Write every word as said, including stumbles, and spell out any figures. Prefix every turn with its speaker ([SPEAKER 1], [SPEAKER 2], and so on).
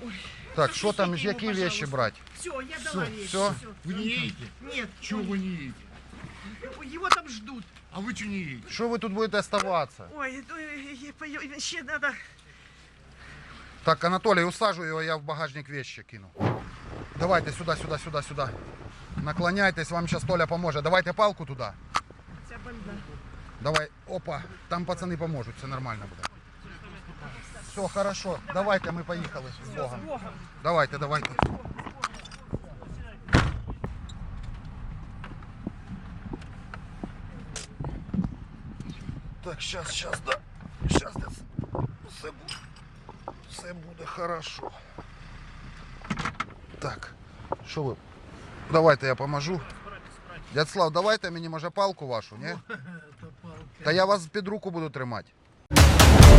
[SPEAKER 1] Так, что там, какие вещи брать?
[SPEAKER 2] Все, я дала вещи.
[SPEAKER 1] Все?
[SPEAKER 3] Вы не едете?
[SPEAKER 2] Нет.
[SPEAKER 3] Чего вы не едете?
[SPEAKER 2] Его там ждут.
[SPEAKER 3] А вы что не едете?
[SPEAKER 1] Что вы тут будете оставаться?
[SPEAKER 2] Ой, ну, э, э, еще надо.
[SPEAKER 1] Так, Анатолий, усажу его, я в багажник вещи кину. Давайте сюда, сюда, сюда, сюда. Наклоняйтесь, вам сейчас Толя поможет. Давайте палку туда.
[SPEAKER 2] Ця больна.
[SPEAKER 1] Давай, опа, там пацаны поможет, все нормально будет. Все, хорошо, давайте, мы поехали. С Богом. Давайте, давайте. Так, сейчас, сейчас, да. Сейчас, да. Все буде, все буде хорошо. Так, що ви? Давайте я поможу. Дядь Слав, давайте мені, може, палку вашу, ні? Та я вас під руку буду тримати.